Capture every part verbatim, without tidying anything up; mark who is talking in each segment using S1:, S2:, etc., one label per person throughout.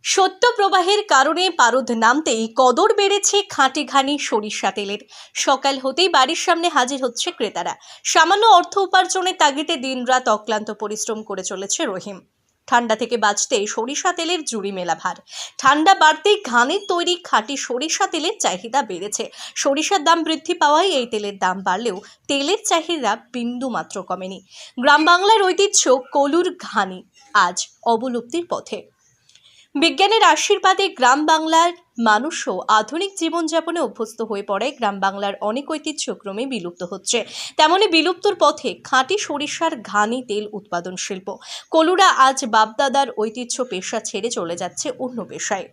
S1: শৈত্য প্রবাহের কারণে পারদ নামতেই কদর বেড়েছে খাঁটি ঘানি সরিষা তেলের। সকাল হতেই বাড়ির সামনে হাজির হচ্ছে ক্রেতারা। সামান্য অর্থ উপার্জনের তাগিদে দিনরাত অক্লান্ত পরিশ্রম করে চলেছে রহিম। ঠান্ডা থেকে বাঁচতে সরিষা তেলের জুড়ি মেলা ভার। ঠান্ডা বাড়তেই ঘানির তৈরি খাঁটি সরিষা তেলের চাহিদা বেড়েছে। সরিষার দাম বৃদ্ধি পাওয়ায় এই তেলের দাম বাড়লেও তেলের চাহিদা বিন্দু মাত্র কমেনি। গ্রাম বাংলার ঐতিহ্য কলুর ঘানি আজ অবলুপ্তির পথে। বিজ্ঞানের আশীর্বাদে গ্রাম বাংলার মানুষও আধুনিক জীবনযাপনে অভ্যস্ত হয়ে পড়ে। গ্রাম বাংলার অনেক ঐতিহ্য ক্রমে বিলুপ্ত হচ্ছে, তেমনি বিলুপ্তর পথে খাঁটি সরিষার ঘানি তেল উৎপাদন শিল্প। কলুরা আজ বাপদাদার ঐতিহ্য পেশা ছেড়ে চলে যাচ্ছে অন্য পেশায়।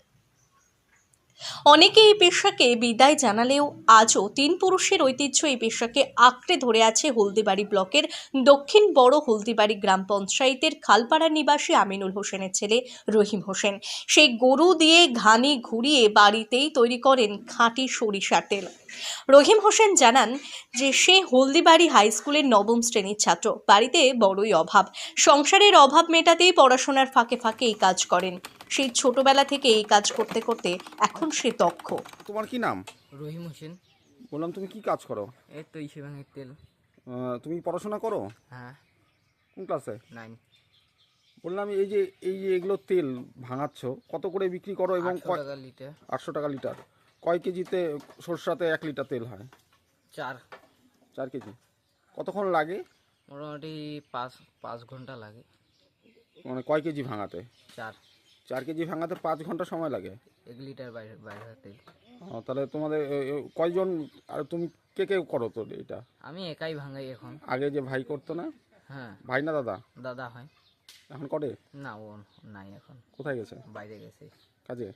S1: অনেকে এই পেশাকে বিদায় জানালেও আজও তিন পুরুষের ঐতিহ্য এই পেশাকে আঁকড়ে ধরে আছে হলদিবাড়ি ব্লকের দক্ষিণ বড় হলদিবাড়ি গ্রাম পঞ্চায়েতের খালপাড়া নিবাসী আমিনুল হোসেনের ছেলে রহিম হোসেন। সেই গরু দিয়ে ঘানি ঘুরিয়ে বাড়িতেই তৈরি করেন খাঁটি সরিষার তেল। রহিম হোসেন জানান যে সে হলদিবাড়ি হাই স্কুলের নবম শ্রেণীর ছাত্র। বাড়িতে বড়ই অভাব, সংসারের অভাব মেটাতেই পড়াশোনার ফাঁকে ফাঁকে এই কাজ করেন। সেই ছোটবেলা থেকে এই কাজ করতে করতে এখন সে দক্ষ।
S2: তোমার কি নাম?
S3: রহিম হোসেন।
S2: বললাম তুমি কি কাজ করো?
S3: এই তো ইসে ভাঙের তেল।
S2: আহ, তুমি পড়াশোনা করো?
S3: হ্যাঁ,
S2: কোন ক্লাসে?
S3: নাইন।
S2: বললাম এই যে এই যে এগুলো তেল ভাঙাচ্ছ, কত করে বিক্রি করো এবং
S3: আটশো
S2: কয়-
S3: টাকা লিটার।
S2: আটশো টাকা লিটার। কয় কেজিতে সরষাতে এক লিটার তেল হয়?
S3: চার।
S2: চার কেজি। কতক্ষণ লাগে?
S3: মোটামুটি পাঁচ পাঁচ ঘন্টা লাগে।
S2: মানে কয় কেজি ভাঙাতে?
S3: চার।
S2: চার কেজি ভাঙাতে পাঁচ ঘন্টা সময় লাগে।
S3: এক লিটার বাইরে বাইরে তেল।
S2: ও, তাহলে তোমাদের এ, এ, কয়জন আর তুমি কে কে করো তো এটা?
S3: আমি একাই ভাঙাই এখন।
S2: আগে যে ভাই করতো না?
S3: হ্যাঁ,
S2: ভাই না দাদা?
S3: দাদা হয়।
S2: এখন করে?
S3: না, ও নাই এখন,
S2: কোথায় গেছে?
S3: বাইরে গেছে
S2: কাজে?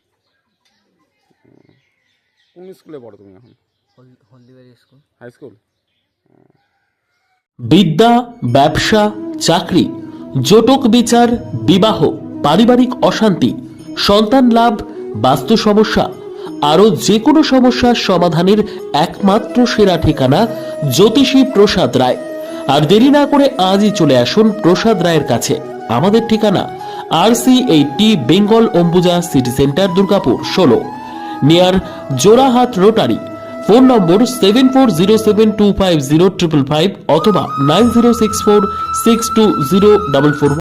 S2: উম, কোন স্কুলে পড়ো তুমি এখন?
S3: হল- হলদিবাড়ি স্কুল।
S2: High school?
S4: বিদ্যা, ব্যবসা, চাকরি, জটক বিচার, বিবাহ, পারিবারিক অশান্তি, সন্তান লাভ, বাস্তু সমস্যা, আরও যে কোনো সমস্যার সমাধানের একমাত্র সেরা ঠিকানা জ্যোতিষী প্রসাদ রায়। আর দেরি না করে আজই চলে আসুন প্রসাদ রায়ের কাছে। আমাদের ঠিকানা R C eighty Bengal Ambuja city centre, Durgapur ষোলো, near Jorahat rotary. Phone number seven four zero seven two five zero triple five অথবা nine zero six four six two zero double four.